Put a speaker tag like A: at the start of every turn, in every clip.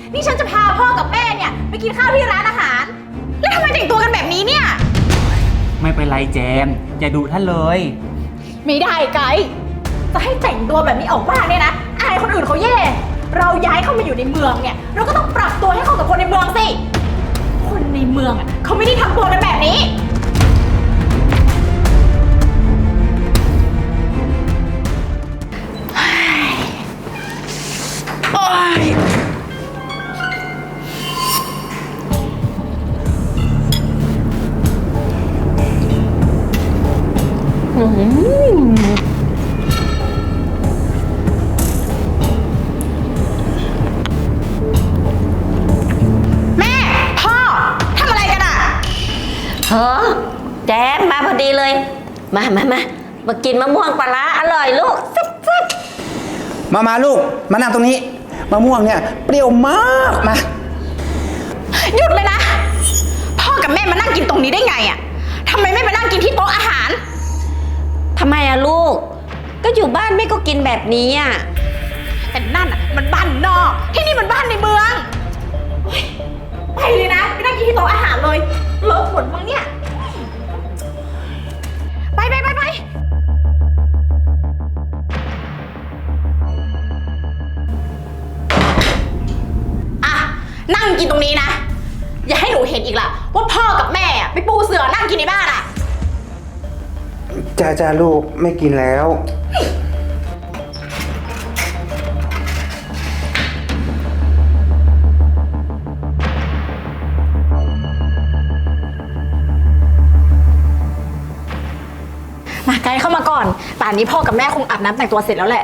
A: นี่ฉันจะพาพ่อกับแม่เนี่ยไปกินข้าวที่ร้านอาหาร แล้วทำไมแต่งตัวกันแบบนี้เนี่ย
B: ไม่เป็นไรแจมอย่าดุท่านเลย
A: ไม่ได้ไกด์จะให้แต่งตัวแบบนี้ออกบ้านเนี่ยนะอายคนอื่นเขาแย่เราย้ายเข้ามาอยู่ในเมืองเนี่ยเราก็ต้องปรับตัวให้เข้ากับคนในเมืองสิคนในเมืองอ่ะเขาไม่ได้ทำตัวกันแบบนี้โอ๊ยแม่พ่อทำอะไรกันอ่ะ
C: เฮ้อแจมมาพอดีเลย มากินมะม่วงปลาร้าอร่อยลูกแซ่บ
D: มาลูกมานั่งตรงนี้มะม่วงเนี่ยเปรี้ยวมากมา
A: หยุดเลยนะพ่อกับแม่มานั่งกินตรงนี้ได้ไงอ่ะทำไมไม่มานั่งกินที่โต๊ะอาหาร
C: ทำไมอะลูกก็อยู่บ้านแม่ก็กินแบบนี้อะ
A: แต่นั่นอ่ะมันบ้านนอกที่นี่มันบ้านในเมืองไปเลยนะไปนั่งกินที่โต๊ะอาหารเลยเลอะหมดมั้งเนี่ยไปอ่ะนั่งกินตรงนี้นะอย่าให้หนูเห็นอีกล่ะว่าพ่อกับแม่ไปปูเสือนั่งกินในบ้านอ่ะ
D: จ้าลูกไม่กินแล้ว
A: มาไกด์เข้ามาก่อนป่านนี้พ่อกับแม่คงอาบน้ำแต่งตัวเสร็จแล้วแหละ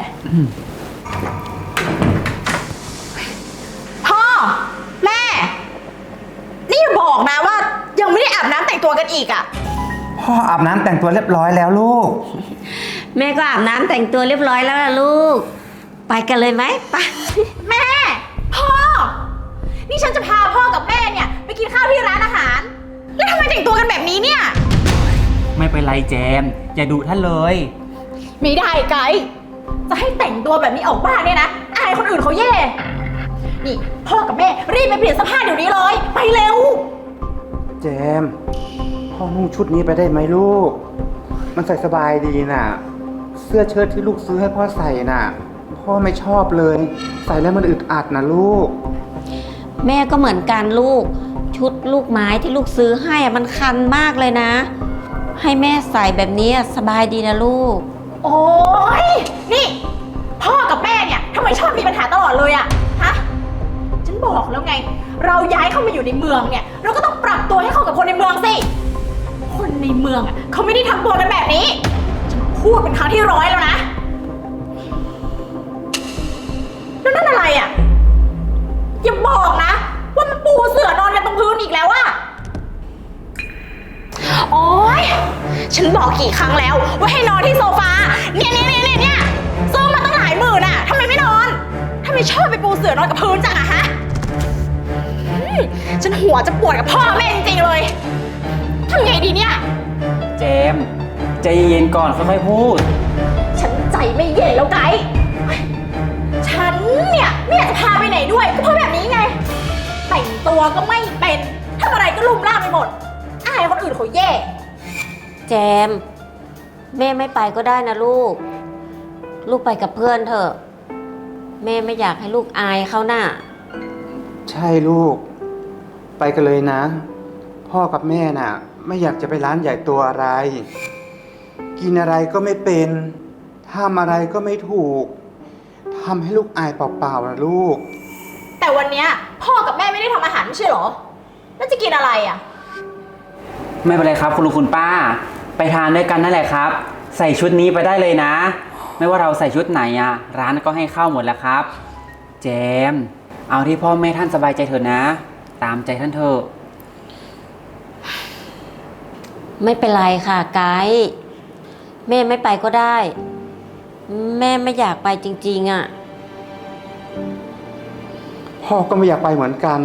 A: พ่อแม่นี่อย่าบอกนะว่ายังไม่ได้อาบน้ำแต่งตัวกันอีกอ่ะ
D: พ่ออาบน้ำแต่งตัวเรียบร้อยแล้วลูก
C: แม่ก็อาบน้ำแต่งตัวเรียบร้อยแล้วล่ะลูกไปกันเลยไหมไป
A: แม่พ่อนี่ฉันจะพาพ่อกับแม่เนี่ยไปกินข้าวที่ร้านอาหารแล้วทำไมแต่งตัวกันแบบนี้เนี่ย
B: ไม่เป็นไรแจมอย่าดุท่านเลย
A: ไม่ได้ไกด์จะให้แต่งตัวแบบนี้ออกบ้านเนี่ยนะอายคนอื่นเขาแย่นี่พ่อกับแม่รีบไปเปลี่ยนเสื้อผ้าเดี๋ยวนี้เลยไปเร็ว
D: แจมพ่อนุ่งชุดนี้ไปได้ไหมลูกมันใส่สบายดีน่ะเสื้อเชิ้ตที่ลูกซื้อให้พ่อใส่น่ะพ่อไม่ชอบเลยใส่แล้วมันอึดอัดนะลูก
C: แม่ก็เหมือนกันลูกชุดลูกไม้ที่ลูกซื้อให้มันคันมากเลยนะให้แม่ใส่แบบนี้สบายดีนะลูก
A: โอ๊ยนี่พ่อกับแม่เนี่ยทำไมชอบมีปัญหาตลอดเลยอะฮะฉันบอกแล้วไงเราย้ายเข้ามาอยู่ในเมืองเนี่ยเราก็ต้องปรับตัวให้เข้ากับคนในเมืองสิคนในเมืองอะเขาไม่ได้ทำตัวกันแบบนี้ฉันพูดเป็นครั้งที่100แล้วนะแล้วนั่นอะไรอะอย่าบอกนะว่ามันปูเสื่อนอนกันตรงพื้นอีกแล้วอะโอ๊ยฉันบอกกี่ครั้งแล้วว่าให้นอนที่โซฟาเนี่ยซื้อมาตั้งหลายหมื่นอะทำไมไม่นอนทำไมชอบไปปูเสื่อนอนกับพื้นจังอะฮะฉันหัวจะปวดกับพ่อแม่จริงๆเลยทำไงดีเนี่ย
B: เจมใจเย็นก่อนค่อยๆพูด
A: ฉันใจไม่เย็นแล้วไกด์ฉันเนี่ยไม่อยากจะพาไปไหนด้วยก็เพราะแบบนี้ไงแต่งตัวก็ไม่เป็นทำอะไรก็ลุ่มล่ามไปหมดอายคนอื่นเขาแย่
C: แจมแม่ไม่ไปก็ได้นะลูกไปกับเพื่อนเถอะแม่ไม่อยากให้ลูกอายเขาน่ะ
D: ใช่ลูกไปกันเลยนะพ่อกับแม่น่ะไม่อยากจะไปร้านใหญ่ตัวอะไรกินอะไรก็ไม่เป็นทำอะไรก็ไม่ถูกทำให้ลูกอายเปล่าๆนะลูก
A: แต่วันนี้พ่อกับแม่ไม่ได้ทำอาหารไม่ใช่หรอแล้วจะกินอะไรอ่ะ
B: ไม่เป็นไรครับคุณลุงคุณป้าไปทานด้วยกันนั่นแหละครับใส่ชุดนี้ไปได้เลยนะไม่ว่าเราใส่ชุดไหนอ่ะร้านก็ให้เข้าหมดแล้วครับแจมเอาที่พ่อแม่ท่านสบายใจเถอะนะตามใจท่านเถอะ
C: ไม่เป็นไรค่ะไกด์แม่ไม่ไปก็ได้แม่ไม่อยากไปจริงๆอ่ะ
D: พ่อก็ไม่อยากไปเหมือนกัน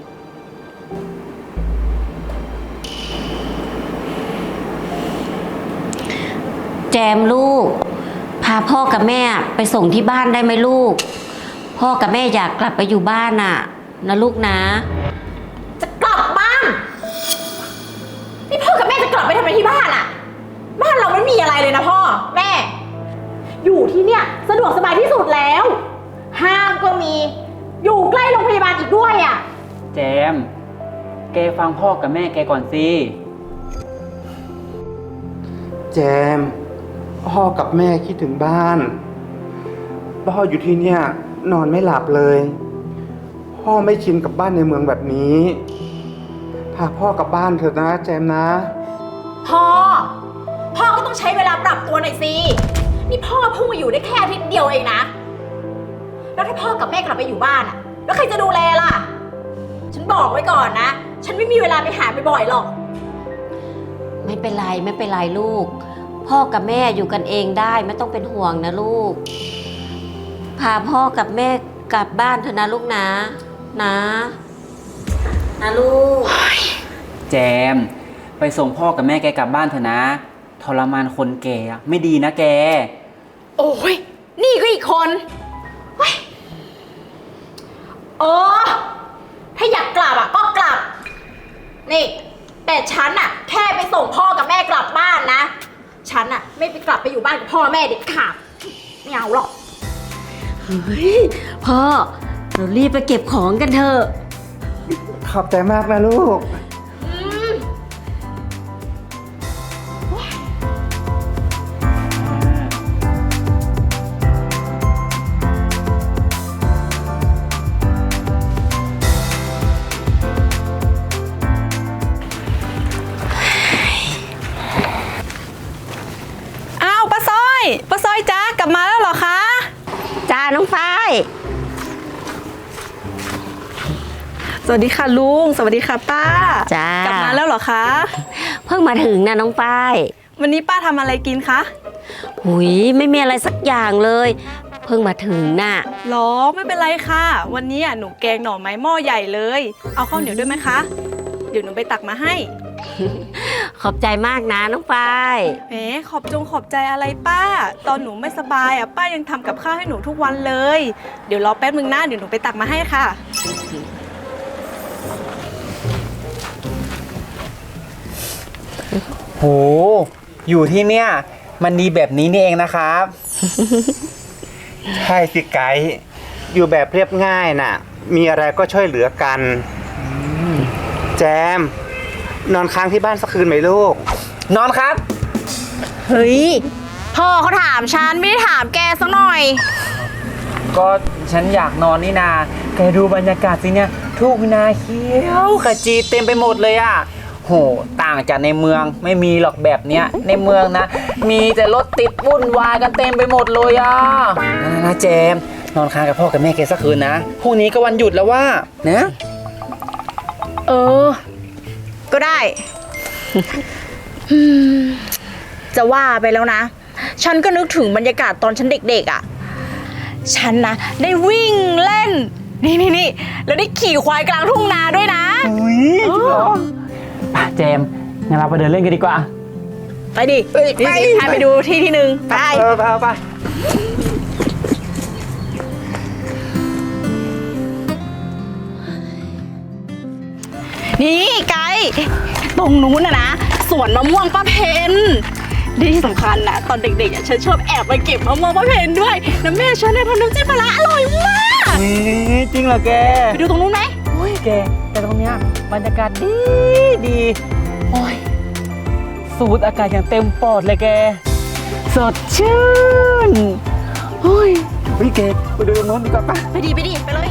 C: แจมลูกพาพ่อกับแม่ไปส่งที่บ้านได้ไหมลูกพ่อกับแม่อยากกลับไปอยู่บ้านน่ะนะลูกนะ
A: จะกลับบ้าน นี่พ่อกับแม่จะกลับไปทำไมที่บ้านอะบ้านเราไม่มีอะไรเลยนะพ่อแม่ อยู่ที่เนี่ยสะดวกสบายที่สุดแล้ว ห้างก็มี อยู่ใกล้โรงพยาบาลอีกด้วยอะ
B: แจม แกฟังพ่อกับแม่แกก่อนสิ
D: แจม พ่อกับแม่คิดถึงบ้าน พ่ออยู่ที่เนี่ยนอนไม่หลับเลย พ่อไม่ชินกับบ้านในเมืองแบบนี้ พาพ่อกลับบ้านเถอะนะแจมนะ
A: พ่อก็ต้องใช้เวลาปรับตัวหน่อยสิ นี่พ่อเพิ่งมาอยู่ได้แค่อาทิตย์เดียวเองนะ แล้วถ้าพ่อกับแม่กลับไปอยู่บ้านอะแล้วใครจะดูแลล่ะ ฉันบอกไว้ก่อนนะ ฉันไม่มีเวลาไปหาบ่อยๆหรอก
C: ไม่เป็นไรไม่เป็นไรลูก พ่อกับแม่อยู่กันเองได้ไม่ต้องเป็นห่วงนะลูก พาพ่อกับแม่กลับบ้านเถอะนะลูกนะนะลูก
B: แจม ไปส่งพ่อกับแม่แกกลับบ้านเถอะนะ ทรมานคนแก่อะไม่ดีนะแก
A: โอ้ย นี่ก็อีกคนเฮ้ยถ้าอยากกลับอะก็กลับ นี่ แต่ฉันอะแค่ไปส่งพ่อกับแม่กลับบ้านนะ ฉันอะไม่ไปกลับไปอยู่บ้านกับพ่อแม่เด็ดขาดไม่เอาหรอก
C: เฮ้ยพ่อเรารีบไปเก็บของกันเถอะ
D: ขอบใจมากนะลูก
A: อืม
E: อ้าวป้าสร้อยจ้ากลับมาแล้วเหรอคะ
C: จ้าน้องฝ้าย
E: สวัสดีค่ะลุงสวัสดีค่ะป้า
C: จ้าก
E: ลับมาแล้วเหรอคะ
C: เพิ่งมาถึงนะน้องฝ้าย
E: วันนี้ป้าทำอะไรกินคะ
C: หุยไม่มีอะไรสักอย่างเลย เพิ่งมาถึงน่ะ
E: หรอไม่เป็นไรค่ะ วันนี้หนูแกงหน่อไม้หม้อใหญ่เลย เอาข้าวเหนียวด้วยไหมคะ เดี๋ยวหนูไปตักมาให้
C: ขอบใจมากนะน้องฝ้าย
E: แหมขอบใจอะไรป้า ตอนหนูไม่สบายป้ายังทำกับข้าวให้หนูทุกวันเลย เดี๋ยวรอแป๊บนึงนะเดี๋ยวหนูไปตักมาให้ค่ะ
B: โห อยู่ที่เนี่ย มันดีแบบนี้นี่เองนะครับ
D: ใช่สิไกด์อยู่แบบเรียบง่ายน่ะ มีอะไรก็ช่วยเหลือกันแจม นอนค้างที่บ้านสักคืนไหมลูก
B: นอนครับ
A: เฮ้ย พ่อเขาถามฉันไม่ได้ถามแกสักหน่อย
B: ก็ฉันอยากนอนนี่นาแกดูบรรยากาศสิเนี่ยทุ่งนาเขียวขจีเต็มไปหมดเลยอ่ะ โห ต่างจากในเมืองไม่มีหรอกแบบเนี้ย ในเมืองนะ มีแต่รถติดวุ่นวายกันเต็มไปหมดเลยอ่ะนะเจมส์นอนค้างกับพ่อกับแม่แกสักคืนนะ พรุ่งนี้ก็วันหยุดแล้วว่านะ
A: เออ ก็ได้ จะว่าไปแล้วนะ ฉันก็นึกถึงบรรยากาศตอนฉันเด็กๆอ่ะ ฉันนะได้วิ่งเล่น นี่แล้วได้ขี่ควายกลางทุ่งนาด้วยนะ
B: อุ้ยจริงเหรอป่ะเจมส์งั้นเราไปเดินเล่นกันดีกว่า
A: ไปดินี่พาไปดูที่หนึ่งไป
D: ไป
A: นี่ไกด์ตรงนู้นนะสวนมะม่วงป้าเพนที่สำคัญนะตอนเด็กๆฉันชอบแอบไปเก็บมะม่วงป้าเพนด้วยแล้วแม่ฉันเนี่ยทำน้ำจิ้มปลาร้าอร่อยมาก
B: จริงเหรอแก
A: ไปดูตรงนู้นไหม
B: โอ้ยแก แต่ตรงเนี้ยบรรยากาศดีโอ้ยสูดอากาศอย่างเต็มปอดเลยแก สดชื่นโอ้ยเฮ้ยแกไปดูตรงโน้นดีกว่าปะ
A: ไปดิไปเลย